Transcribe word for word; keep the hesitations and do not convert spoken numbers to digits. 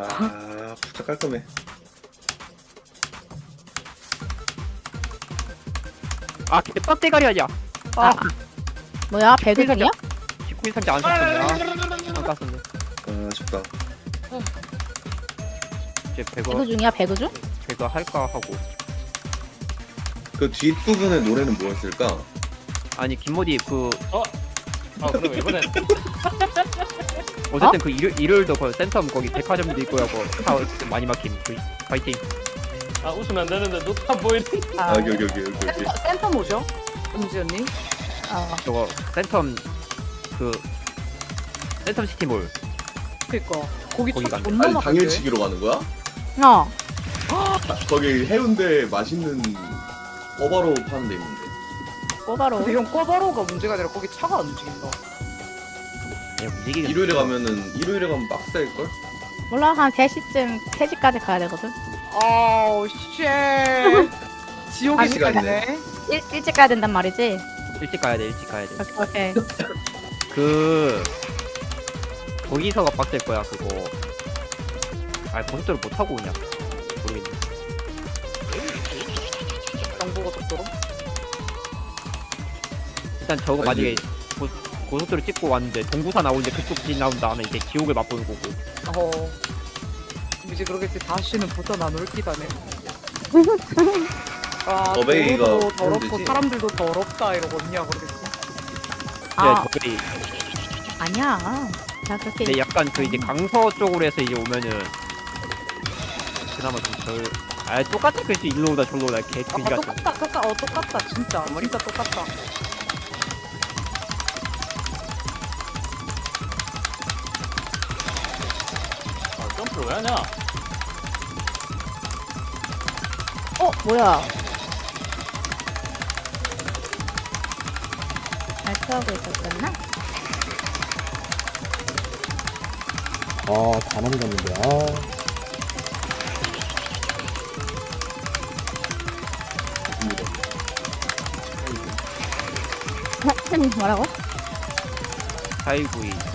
아, 진짜 깔끔해. 아 개빡 대가리 아니야. 아 아, 뭐야? 배그 중이야? 십구일 상자 안 썼었네. 아, 안 깠었네. 아, 아쉽다. 이제 배그 배그 중이야? 배그 중? 배그 할까 하고. 그 뒷부분의 노래는 뭐였을까? 아니 김모디 그 아 그럼 이번엔 어쨌든 그 일요일 일요일도 그 센텀 거기 백화점도 있고 하고 차 어쨌든 많이 막힘. 그 파이팅. 아 웃으면 안 되는데 누가 안 보이는 아, 여기, 여기, 여기, 여기. 센터, 센터 뭐죠? 음지 언니? 어. 저거 센텀 그 센텀 시티몰. 그니까 거기 거기 차 간대. 존나 아니, 막힌데? 당일치기로 가는 거야? 어. 아, 거기 해운대 맛있는 꼬바로 파는 데 있는데. 꼬바로. 근데 형 꼬바로가 문제가 아니라 거기 차가 안 움직인다. 그냥 움직이긴. 일요일에 가면은, 일요일에 가면 빡셀걸? 몰라, 한 세 시쯤, 세 시까지 가야 되거든. 아우 쉣. 지옥의 한 시간이네. 시간이네. 일, 일찍 가야 된단 말이지? 일찍 가야 돼 일찍 가야 돼. 오케이, 오케이. 그 거기서가 빡셀 거야 그거. 아 고속도로 못 타고 오냐 모르겠네. 경부고속도로. 일단 저거 아니, 만약에 고, 고속도로 찍고 왔는데 동부산 나오는데 그쪽 길 나온다 하면 이제 지옥을 맛보는 거고. 어. 이제 그러겠지. 다시는 부터 나눌 기다네. 아, 어베이가 도로도 더럽고 힘들지. 사람들도 더럽다 이러고 언니야 그러겠지. 아, 네, 저기 아니야. 자, 그렇게. 근데 약간 그 이제 강서 쪽으로 해서 이제 오면은 그나마 좀덜. 아 똑같은 글씨 일로 오다 절로 오다 개 아 그지 같아. 똑같다 똑같다 어 똑같다 진짜 진짜 똑같다. 아 점프를 왜 하냐? 어, 뭐야. 발표하고 있었었나? 아, 다 넘겼는데, 아. 좋습니다. 뭐라고? 사이구이